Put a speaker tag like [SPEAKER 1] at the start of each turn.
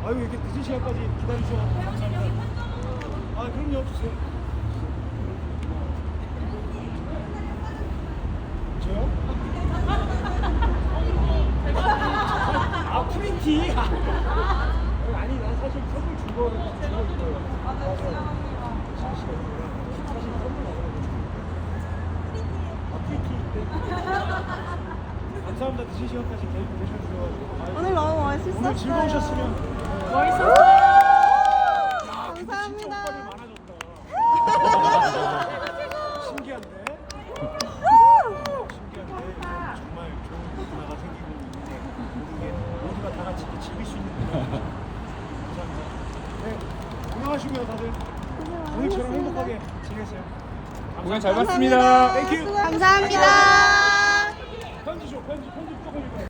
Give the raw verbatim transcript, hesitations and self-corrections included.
[SPEAKER 1] 아유 이렇게 늦은 시간까지 기다리셔서 감사합니다. 아 그럼요 주세요. 저요? 아 프린티. 아니 난 사실 선물 준 거를 주고 있어요. 사실 선물 나가는 아 프린티. 감사합니다. 늦은 시간까지 개입 해주셔가지고.
[SPEAKER 2] 오늘 너무 멋있었어요.
[SPEAKER 1] 오늘 즐거우셨으면.
[SPEAKER 2] 멋있었어요.
[SPEAKER 1] 감사합니다.
[SPEAKER 2] 감사합니다.
[SPEAKER 1] 신기한데? 신기한데 정말 좋은 문화가 생기고 있는데 모든 게 모두가 다 같이 이렇게 즐길 수 있는 문화입니다. 감사합니다. 네, 건강하시고요 다들. 오늘처럼 행복하게 지내세요.
[SPEAKER 3] 공연 잘 봤습니다.
[SPEAKER 1] 땡큐.
[SPEAKER 2] 감사합니다.